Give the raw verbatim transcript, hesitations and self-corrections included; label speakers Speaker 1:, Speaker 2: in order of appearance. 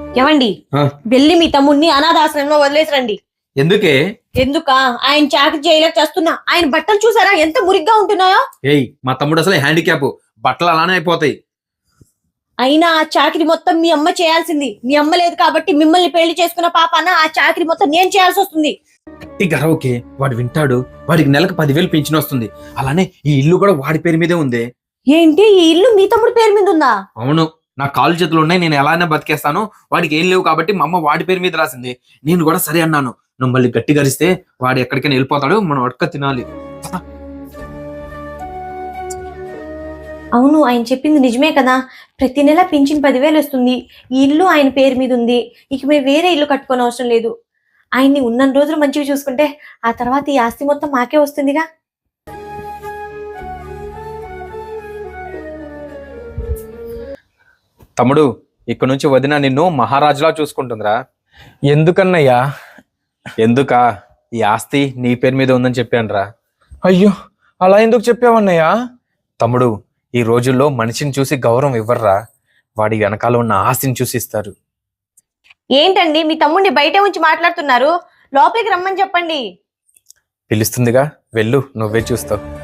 Speaker 1: ఏమండి వెళ్ళి మీ తమ్ముడిని అనాథాశ్రమంలో వదిలేసి రండి.
Speaker 2: ఎందుకే?
Speaker 1: ఎందుకా? ఆయన చాకరీ చేయలేక చేస్తున్నా. ఆయన బట్టలు చూసారా ఎంత మురిగ్గా ఉంటున్నాయో?
Speaker 2: ఏయ్, మా తమ్ముడు అసలు హ్యాండిక్యాప్, బట్టలు అలానే అయిపోతాయి.
Speaker 1: అయినా ఆ చాకరీ మొత్తం మీ అమ్మ చేయాల్సింది. మీ అమ్మ లేదు కాబట్టి మిమ్మల్ని పెళ్లి చేసుకున్న పాపన ఆ చాకరీ మొత్తం నేను చేయాల్సి వస్తుంది.
Speaker 2: గర్వకే వాడు వింటాడు. వాడికి నెలకు పదివేలు పెన్షన్ వస్తుంది. అలానే ఈ ఇల్లు కూడా వాడి పేరు మీదే ఉంది.
Speaker 1: ఏంటి, ఈ ఇల్లు మీ తమ్ముడి పేరు మీద ఉందా?
Speaker 2: అవును, నా కాలు చేతులు ఉన్నాయి, నేను ఎలానే బతికేస్తాను. వాడికి ఏం లేవు కాబట్టి మా అమ్మ వాడి పేరు మీద రాసింది. నేను కూడా సరే అన్నాను. నువ్వు మళ్ళీ గట్టి గరిస్తే వాడు ఎక్కడికైనా వెళ్ళిపోతాడు, మనం అడక తినాలి.
Speaker 1: అవును, ఆయన చెప్పింది నిజమే కదా. ప్రతి నెల పింఛన్ పదివేలు వస్తుంది. ఈ ఇల్లు ఆయన పేరు మీద ఉంది. ఇక మేము వేరే ఇల్లు కట్టుకోని అవసరం లేదు. ఆయన్ని ఉన్న రోజులు మంచిగా చూసుకుంటే ఆ తర్వాత ఈ ఆస్తి మొత్తం మాకే వస్తుందిగా.
Speaker 2: తమ్ముడు, ఇక్కడ నుంచి వదిన నిన్ను మహారాజులా చూసుకుంటుందిరా.
Speaker 3: ఎందుకన్నయ్యా?
Speaker 2: ఎందుకా? ఈ ఆస్తి నీ పేరు మీద ఉందని చెప్పానురా.
Speaker 3: అయ్యో, అలా ఎందుకు చెప్పావన్నయ్యా?
Speaker 2: తమ్ముడు, ఈ రోజుల్లో మనిషిని చూసి గౌరవం ఇవ్వర్రా, వాడి వెనకాల ఉన్న ఆస్తిని చూసి ఇస్తారు.
Speaker 1: ఏంటండి మీ తమ్ముడిని బయట ఉంచి మాట్లాడుతున్నారు? లోపలికి రమ్మని చెప్పండి.
Speaker 2: పిలుస్తుందిగా, వెళ్ళు, నువ్వే చూస్తావు.